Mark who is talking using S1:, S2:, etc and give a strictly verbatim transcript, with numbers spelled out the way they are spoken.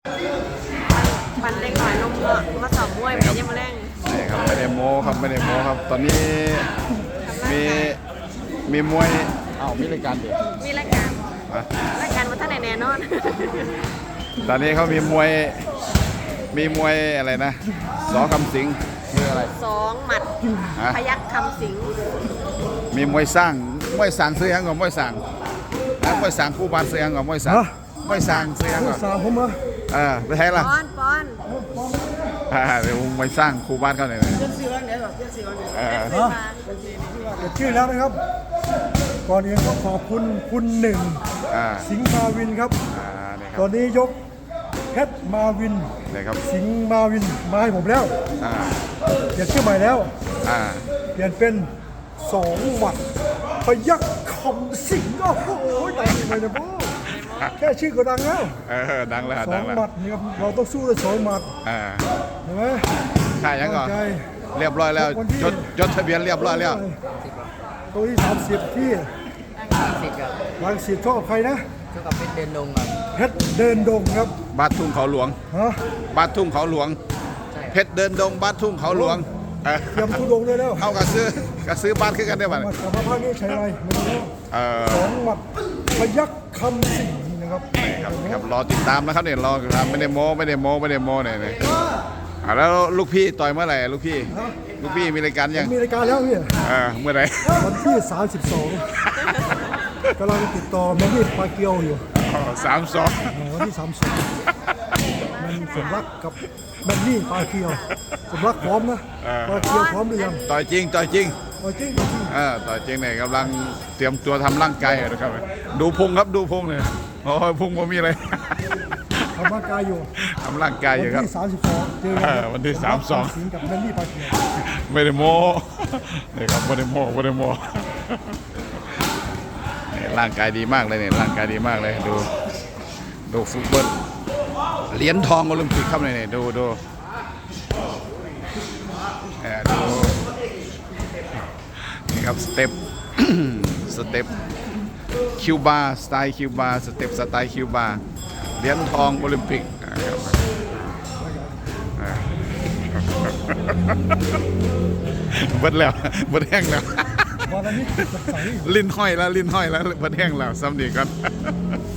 S1: วันเล็กหน่อยลงมาสอบมวยไปยังมาแรง
S2: นี่ครับไม่ได้โม้ครับไม่ได้โม้ครับตอนนี้มีมีมวยอ้าวมีรายการเด็ก
S1: มีรายการรายการมาท่านไหนแน่นอน
S2: ตอนนี้เขามีมวยมีมวยอะไรนะสอคำสิงคืออะไร
S1: สองหมัดพยัคฆ์คำสิง
S2: มีมวยสร้างมวยสร้างเสียงกับมวยสร้างนะมวยสร้างคู่บ้านเสียงกับมวยสร้างมวยสร้างเสียงกับ
S3: สร้างผมเหรอ
S2: เออไปให้ละ
S1: ปอนปอน
S2: อ่าเดี๋ยวมวยสร้างคู่บ้านเขาหน่อยเลยเออ
S3: เกิดชื่อแล้วนะครับก่อนอื่นก็ขอบคุณคุณหนึ่งสิงห์มาวินครับตอนนี้ยกเพชรมาวินสิงห์มาวินมาให้ผมแล้วเปลี่ยนชื่อใหม่แล้วเปลี่ยนเป็นสองหมัดพยัคฆ์คำสิงห์โอ้โหดังเลยนะพ่อแค่ชื่อก็ดังแล้ว
S2: เออดังแล้ว
S3: สองหมัดนี่ครับเราต้องสู้ด้วยสองหมัดเห็นไหม
S2: ข่ายังก่อนเรียบร้อยแล้วจดจดทะเบียนเรียบร้อยแล้ว
S3: ตัวที่สามสิบที่รังสิตชอบใครนะ
S4: ชอบกับเพชรเดินดงครับ
S3: เพชรเดินดงครับ
S2: บาดทุ่งเขาหลวง
S3: ฮะ
S2: บาดทุ่งเขาหลวงเพชรเดินดงบาดทุ่งเขาหลวง
S3: เตรียมทุดงเลยแล้ว
S2: เอากระซื้อกระซื้อบาดขึ้นกันได้บ้าง
S3: แต่ว่าภาคนี้ใช้อะไรไม่รู้สองหมัดพยัคฆ์คำสิงนะครับ
S2: ครับครับรอติดตามนะครับเนี่ยรอติดตามไม่ได้โม้ไม่ได้โม้ไม่ได้โม้เนี่ยแล้วลูกพี่ต่อยเมื่อไหร่ลูกพี่ลูกพี่มีรายการยัง
S3: มีรายการแล้วพี่
S2: เมื่อไหร่
S3: วันที่สามสิบสองกำลังติดต่อแมนนี่ปาเกียวอยู่
S2: สามสอง
S3: วันที่สามสองมันสมรักกับแมนนี่ปาเกียวสมรักพร้อมนะปาเกียวพร้อมหรือยัง
S2: ต่อยจริงต่อยจริง
S3: ต่อยจริงต่อยจริง
S2: เออต่อยจริงเนี่ยกำลังเตรียมตัวทำร่างกายนะครับดูพุงครับดูพุงเลยโอ้ยพุงผมมีเลย
S3: ทำร่างกายอยู่
S2: ทำร่างกายอยู่ครับ
S3: วันที่สามสิบสองเจอ
S2: กันวันที่สามสอง
S3: สิงกับแมนนี่ปาเกียว
S2: ไม่ได้โม้นี่ครับไม่ได้โม้ไม่ได้โม้ร่างกายดีมากเลยเนี่ยร่างกายดีมากเลยดูดูฟุตบอลเหรียญทองโอลิมปิกครับเนี่ยดูดูดูนี่ครับสเต็ปสเต็ปคิวบาสไตล์คิวบาสเต็ปสไตล์คิวบาเหรียญทองโอลิมปิกเบิดแล้วเบิดแห้งแล้วลิ้นห้อยแล้วลิ้นห้อยแล้วเบิดแห้งแล้วซ้ำดีกัน